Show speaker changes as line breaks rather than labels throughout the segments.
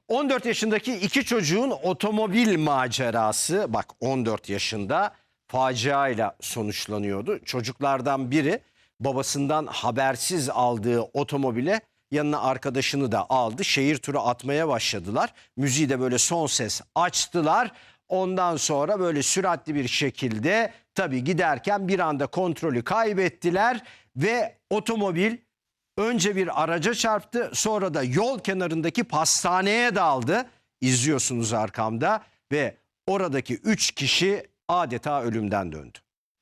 14 yaşındaki iki çocuğun otomobil macerası, bak 14 yaşında, faciayla sonuçlanıyordu. Çocuklardan biri babasından habersiz aldığı otomobile yanına arkadaşını da aldı. Şehir turu atmaya başladılar. Müziği de böyle son ses açtılar. Ondan sonra böyle süratli bir şekilde tabii giderken bir anda kontrolü kaybettiler ve otomobil önce bir araca çarptı, sonra da yol kenarındaki pastaneye daldı. İzliyorsunuz arkamda ve oradaki 3 kişi adeta ölümden döndü.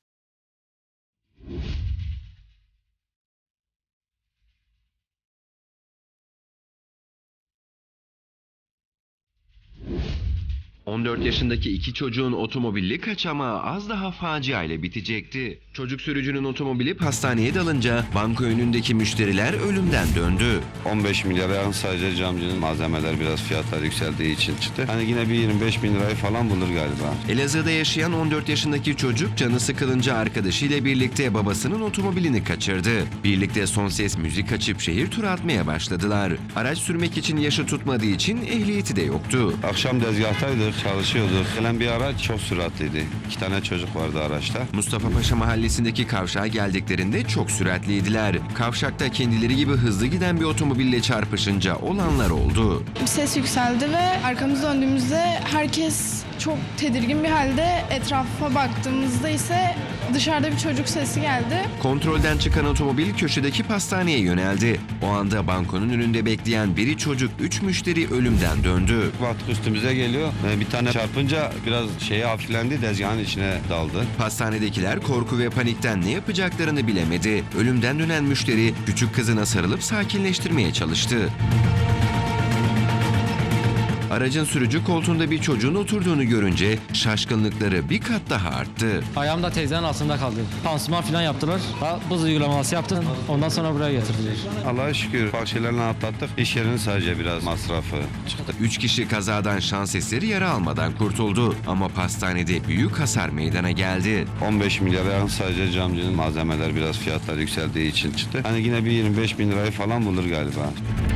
...14 yaşındaki iki çocuğun otomobili kaçamağı az daha facia ile bitecekti. Çocuk sürücünün otomobili pastaneye dalınca banka önündeki müşteriler ölümden döndü.
15 milyara yakın sadece camcının malzemeler biraz fiyatlar yükseldiği için çıktı. Hani yine bir 25 bin lirayı falan bulur galiba.
Elazığ'da yaşayan 14 yaşındaki çocuk canı sıkılınca arkadaşıyla birlikte babasının otomobilini kaçırdı. Birlikte son ses müzik açıp şehir turu atmaya başladılar. Araç sürmek için yaşı tutmadığı için ehliyeti de yoktu.
Akşam dezgahtaydık, çalışıyorduk. Gelen bir araç çok süratliydi. 2 tane çocuk vardı araçta.
Mustafa Paşa mahallesindeki kavşağa geldiklerinde çok süratliydiler. Kavşakta kendileri gibi hızlı giden bir otomobille çarpışınca olanlar oldu.
Ses yükseldi ve arkamızı döndüğümüzde herkes çok tedirgin bir halde. Etrafa baktığımızda ise dışarıda bir çocuk sesi geldi.
Kontrolden çıkan otomobil köşedeki pastaneye yöneldi. O anda bankonun önünde bekleyen biri çocuk, 3 müşteri ölümden döndü.
Baktık üstümüze geliyor. Bir tane çarpınca biraz hafiflendi, tezgahın içine daldı.
Pastanedekiler korku ve panikten ne yapacaklarını bilemedi. Ölümden dönen müşteri küçük kızına sarılıp sakinleştirmeye çalıştı. Aracın sürücü koltuğunda bir çocuğun oturduğunu görünce şaşkınlıkları bir kat daha arttı.
Ayağım da teyzenin altında kaldı. Pansuman falan yaptılar. Buz uygulaması yaptım. Ondan sonra buraya getirdiler.
Allah'a şükür ufak şeylerle atlattık. İş yerinin sadece biraz masrafı çıktı.
3 kişi kazadan şans eseri yara almadan kurtuldu. Ama pastanede büyük hasar meydana geldi.
15 milyara yakın sadece camcının malzemeler biraz fiyatlar yükseldiği için çıktı. Hani yine bir 25 bin lirayı falan bulur galiba.